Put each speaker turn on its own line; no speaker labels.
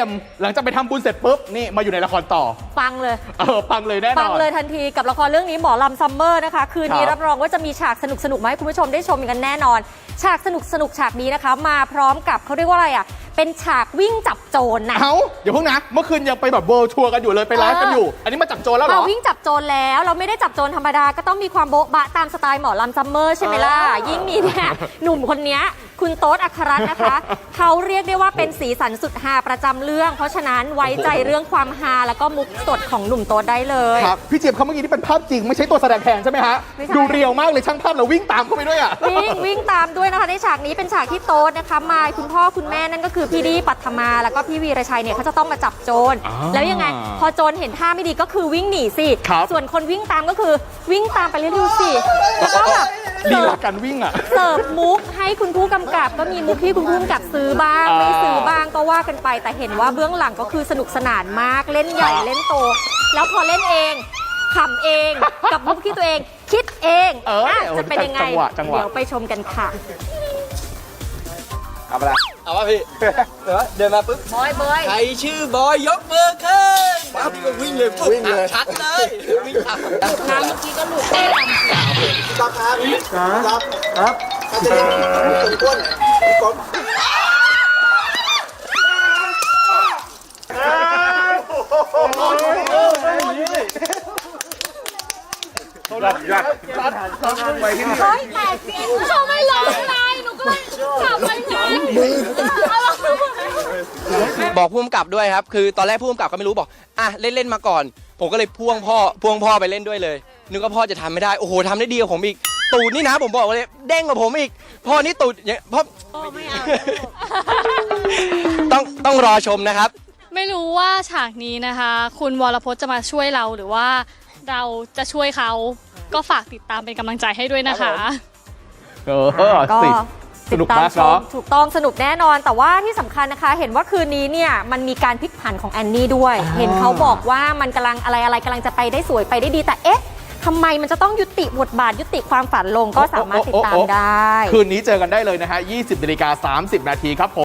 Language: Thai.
มหลังจากไปทำบุญเสร็จปุ๊บนี่มาอยู่ในละครต่อ
ปังเลย
ปังเลยแน่นอน
ปังเลยทันทีกับละครเรื่องนี้หมอลำซัมเมอร์นะคะคืนนี้รับรองว่าจะมีฉากสนุกมาให้คุณผู้ชมได้ชมกันแน่นอนฉากสนุกฉากนี้นะคะมาพร้อมกับเขาเรียกว่าอะไรอ่ะเป็นฉากวิ่งจับโจรนะ
เดี๋ยวพวกนะเมื่อคืนยังไปแบบเวิลด์ทัวร์กันอยู่เลยไปไลฟ์กันอยู่อันนี้มาจับโจรแล้วเหรอ
วิ่งจับโจรแล้วเราไม่ได้จับโจรธรรมดาก็ต้องมีความโบ๊ะบะตามสไตล์หมอลำซัมเมอร์ใช่ไหมล่ะยิ่งมีเนี่ยหนุ่มคนนี้คุณโต๊ดอัครรัตน์นะคะเขาเรียกได้ว่าเป็นสีสันสุดฮาประจำเรื่องเพราะฉะนั้นไว้ใจเรื่องความฮาแล้วก็มุกสดของหนุ่มโต๊ดได้เลย
ครับพี่เจี๊ยบเขาเมื่อกี้นี่เป็นภาพจริงไม่ใช่ตัวแสดงแทนใช่ไหมฮะดูเรียวมากเลยช่างภาพเราวิ่งตามเข้าไปด้วยอ่ะ
วิ่งตามด้วยนะคะในฉากนี้เป็นฉากที่โต๊ดนะคะมาคุณพ่อคุณแม่นั่นก็คือพี่ดีปัทมาแล้วก็พี่วีรชัยเนี่ยเขาจะต้องมาจับโจรแล้วยังไงพอโจรเห็นท่าไม่ดีก็คือวิ่งหนีสิส่วนคนวิ่งตามก็คือวิ่งตามไปเรื่อยๆสิแล้วก็แบบ
ลีลาการวิ่งอ่ะ
เสิร์ฟมุกให้คุณผู้กำกับก็มีมุกที่คุณผู้กำกับซื้อบ้างไม่ซื้อบ้างก็ว่ากันไปแต่เห็นว่าเบื้องหลังก็คือสนุกสนานมากเล่นใหญ่เล่นโตแล้วพอเล่นเองขำเองกับมุกที่ตัวเองคิดเองจะเป็นยังไงเดี๋ยวไปชมกันค่ะ
เอาไปละ
เอาป่ะพี่เดินมาปุ๊บบ
อย
ใครชื่อบอยยกมือขึ้นปั๊บก็วิ่งเลยชัดเลยวิ่งตาม
น้ำเมื่อกี้ก็หลุดได้ลำ
ครับครับจะได้สมควรก่อน
ยัด
ไปที่นี่เฮ้ยแต่เขาไม่ลงไงหนูก็เลยขับไปไง
บอกผู้กำกับด้วยครับคือตอนแรกผู้กำกับก็ไม่รู้บอกเล่นมาก่อนผมก็เลยพ่วงพ่อไปเล่นด้วยเลยนึกว่าพ่อจะทำไม่ได้โอ้โหทำได้ดีกว่าผมอีกตูดนี่นะผมบอกเลยเด้งกว่าผมอีกพ่อนี่ตูดพ่อ
ไม่เอา
ต้องรอชมนะครับ
ไม่รู้ว่าฉากนี้นะคะคุณวรพจน์จะมาช่วยเราหรือว่าเราจะช่วยเขาก็ฝากติดตามเป็นกำลังใจให้ด้วยนะคะ
ก็สนุกมากเนาะถูกต้องสนุกแน่นอนแต่ว่าที่สำคัญนะคะเห็นว่าคืนนี้เนี่ยมันมีการพลิกผันของแอนนี่ด้วยเห็นเขาบอกว่ามันกำลังอะไรกำลังจะไปได้สวยไปได้ดีแต่เอ๊ะทำไมมันจะต้องยุติบทบาทยุติความฝันลงก็สามารถติดตามได้
คืนนี้เจอกันได้เลยนะฮะ 20:30 นครับผม